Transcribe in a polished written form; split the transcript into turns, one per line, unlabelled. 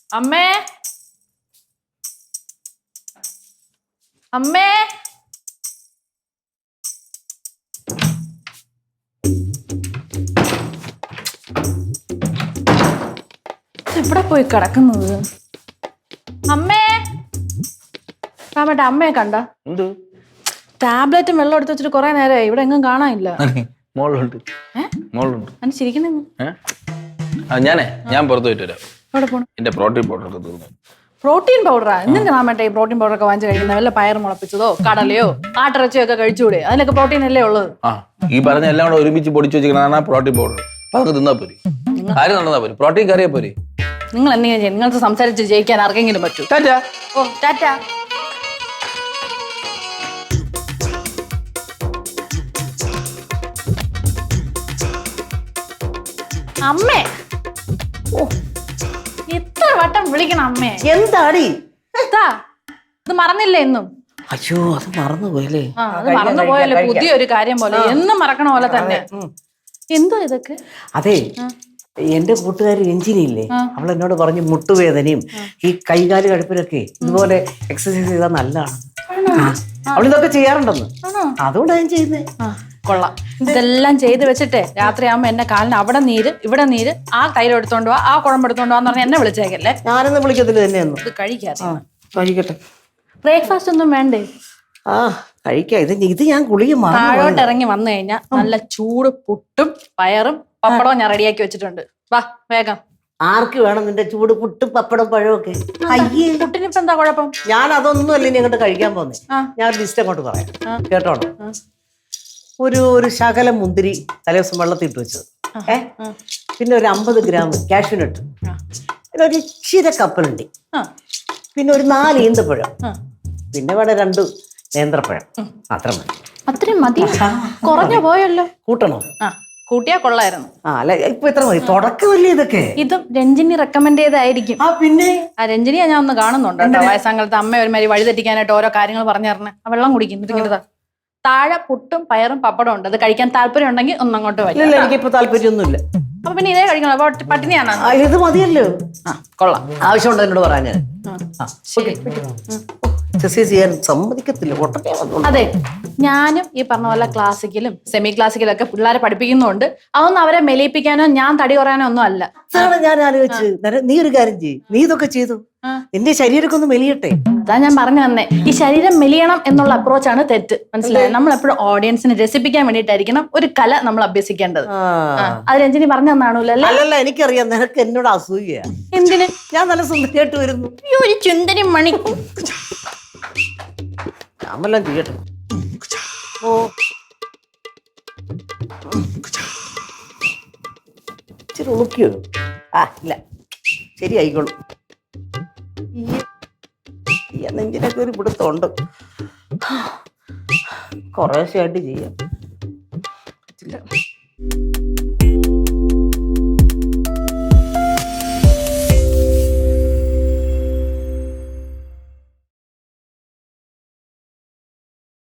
അമ്മേ അമ്മേ എവിടെ പോയി കിടക്കുന്നത്? അമ്മേ രാമേട്ട അമ്മയെ കണ്ട? ടാബ്ലറ്റും വെള്ളം എടുത്ത് വെച്ചിട്ട് കുറെ നേരമായി, ഇവിടെ എങ്ങും കാണാനില്ല.
ഞാൻ പുറത്തു പോയിട്ട് വരാം.
എവിടെ പോണം?
എന്റെ പ്രോട്ടീൻ പൗഡർ ഒക്കെ തീർന്നു.
പ്രോട്ടീൻ പൗഡറാ? എന്തിനാ രാമേട്ട ഈ പ്രോട്ടീൻ പൗഡർ ഒക്കെ വാങ്ങിച്ചു കഴിക്കുന്നത്? വല്ല പയർ മുളപ്പിച്ചതോ കടലയോ ആട്ടിറച്ചിയോ ഒക്കെ കഴിച്ചുകൂടെ? അതിലൊക്കെ പ്രോട്ടീൻ അല്ലേ ഉള്ളത്.
ഈ പറഞ്ഞ എല്ലാം കൂടെ ഒരുമിച്ച് പൊടിച്ചു വെച്ചിരിക്കണ പ്രോട്ടീൻ പൗഡർ. അപ്പൊ അതൊക്കെ തിന്നാ പോരി, ആരും നടന്നാ പോരി, പ്രോട്ടീൻ കറിയാ പോരി.
നിങ്ങൾ എന്തെങ്കിലും ചെയ്യും, നിങ്ങൾക്ക് സംസാരിച്ച് ജയിക്കാൻ ആർക്കെങ്കിലും പറ്റൂ.
ടാറ്റാ.
ഓ ടാറ്റാ. അമ്മേ, ഓ എത്ര വട്ടം വിളിക്കണം അമ്മേ.
എന്താടി
ഇത് മറന്നില്ലേ എന്നും?
അയ്യോ, അത് മറന്നുപോയല്ലേ?
അത് മറന്നുപോയല്ലേ, പുതിയൊരു കാര്യം പോലെ എന്നും മറക്കണ പോലെ തന്നെ. എന്തോ ഇതൊക്കെ?
അതെ, എന്റെ കൂട്ടുകാരി രഞ്ജിനിയില്ലേ, അവൾ എന്നോട് പറഞ്ഞു മുട്ടുവേദനയും ഈ കൈകാല് കടുപ്പിലൊക്കെ ഇതുപോലെ എക്സസൈസ് ചെയ്താൽ നല്ലതാണ്. അവളിതൊക്കെ ചെയ്യാറുണ്ടെന്ന്, അതുകൊണ്ടാണ് ഞാൻ ചെയ്യുന്നത്.
കൊള്ളാം. ഇതെല്ലാം ചെയ്ത് വെച്ചിട്ടേ രാത്രി ആകുമ്പോ എന്നെ കാലിന് അവിടെ നീര് ഇവിടെ നീര്, ആ തൈര് എടുത്തോണ്ട് പോവാ, ആ കുഴമ്പ് എടുത്തോണ്ട് പോവാന്ന് പറഞ്ഞാൽ എന്നെ വിളിച്ചേക്കല്ലേ.
ഞാനൊന്നും വിളിക്കത്തില്ല തന്നെയൊന്നും.
ഇത് കഴിക്കാതെ
കഴിക്കട്ടെ.
ബ്രേക്ക്ഫാസ്റ്റ് ഒന്നും വേണ്ടേ?
കഴിക്കാം. ഇത് ഞാൻ ഗുളിക
താഴോട്ട് ഇറങ്ങി വന്നു കഴിഞ്ഞാൽ നല്ല ചൂട് പുട്ടും പയറും പപ്പടവും ഞാൻ റെഡിയാക്കി വെച്ചിട്ടുണ്ട്. വാ വേഗം.
ആർക്ക് വേണം നിന്റെ ചൂട് പുട്ടും പപ്പടം പഴമൊക്കെ? അയ്യേ,
പുട്ടിനിപ്പോ എന്താ കുഴപ്പം?
ഞാൻ അതൊന്നും അല്ല ഇനി അങ്ങോട്ട് കഴിക്കാൻ പോന്നേ. ഞാൻ ഒരു ലിസ്റ്റ് അങ്ങോട്ട് പറയാം, കേട്ടോണം. ഒരു ശകലം മുന്തിരി തലേദിവസം വെള്ളത്തിൽ ഇട്ട് വെച്ചത്, പിന്നെ ഒരു 50 ഗ്രാം കാഷ്യൂനട്ട്, പിന്നെ ഒരു ഇച്ചിരി കപ്പലുണ്ടി, പിന്നെ ഒരു 4 ഈന്തപ്പഴം, പിന്നെ വേണം 2 നേന്ത്രപ്പഴം. അത്ര മതി.
അത്രയും മതി? കുറഞ്ഞു പോയല്ലോ.
കൂട്ടണോ?
കൂട്ടിയാ കൊള്ളായിരുന്നു.
അല്ല, ഇപ്പൊ എത്ര മതി? തുടക്കമല്ലേ ഇതൊക്കെ?
ഇതും രഞ്ജിനി റെക്കമെൻഡ് ചെയ്തായിരിക്കും.
പിന്നെ
രഞ്ജിനിയെ ഞാൻ ഒന്ന് കാണുന്നുണ്ട് കേട്ടോ. വയസ്സാങ്കാലത്ത് അമ്മ ഒരുമാതിരി വഴി തെറ്റിക്കാനായിട്ട് ഓരോ കാര്യങ്ങൾ പറഞ്ഞു തരണേ. ആ വെള്ളം കുടിക്കും. ഇങ്ങനത്തെ താഴെ പുട്ടും പയറും പപ്പടം ഉണ്ട്. അത് കഴിക്കാൻ താല്പര്യം ഉണ്ടെങ്കിൽ ഒന്നങ്ങോട്ട് വരും.
എനിക്കിപ്പോ താല്പര്യമൊന്നുമില്ല.
അപ്പൊ പിന്നെ ഇതേ കഴിക്കണം. അപ്പൊ പട്ടിണിയാണ്.
ഇത് മതിയല്ലോ.
കൊള്ളാം.
ആവശ്യമുണ്ടോ എന്നോട് പറയാൻ? എക്സസൈസ് ചെയ്യാൻ സമ്മതിക്കത്തില്ല.
അതെ, ഞാനും ഈ പറഞ്ഞ പോലെ ക്ലാസിക്കലും സെമി ക്ലാസിക്കലും ഒക്കെ പിള്ളേരെ പഠിപ്പിക്കുന്നുണ്ട്. അതൊന്നും അവരെ മെലിയിപ്പിക്കാനോ ഞാൻ തടി കുറയാനോ ഒന്നും അല്ല.
അതാണ് ഞാൻ ആലോചിച്ച്. നീ ഒരു കാര്യം ചെയ്യ്, നീ ഇതൊക്കെ ചെയ്തു, നിന്റെ ശരീരമൊക്കെ ഒന്ന് മെലിയട്ടെ.
അതാ ഞാൻ പറഞ്ഞു തന്നെ, ഈ ശരീരം മെലിയണം എന്നുള്ള അപ്രോച്ചാണ് തെറ്റ്. മനസ്സിലായോ? നമ്മൾ എപ്പോഴും ഓഡിയൻസിനെ രസിപ്പിക്കാൻ വേണ്ടിയിട്ടായിരിക്കണം ഒരു കല നമ്മൾ അഭ്യസിക്കേണ്ടത്. അത് രഞ്ജിനി പറഞ്ഞു തന്നാണല്ലോ.
അല്ലല്ല, എനിക്കറിയാം നിനക്ക് എന്നോട് അസൂയ.
എന്തിന്?
ഞാൻ നല്ല സുന്ദരിയായിട്ട് വരുന്നു.
ഒരു ചുന്ദരി മണി.
ഞാമെല്ലാം ചെയ്യട്ടെ. ഓ, ഇച്ചിരി ഉളുക്കിയോ? ഇല്ല, ശരി ആയിക്കോളൂ. നെഞ്ചിനൊക്കെ ഒരു പിടുത്തമുണ്ട്. കുറേശ്ശെയായിട്ട് ചെയ്യാം.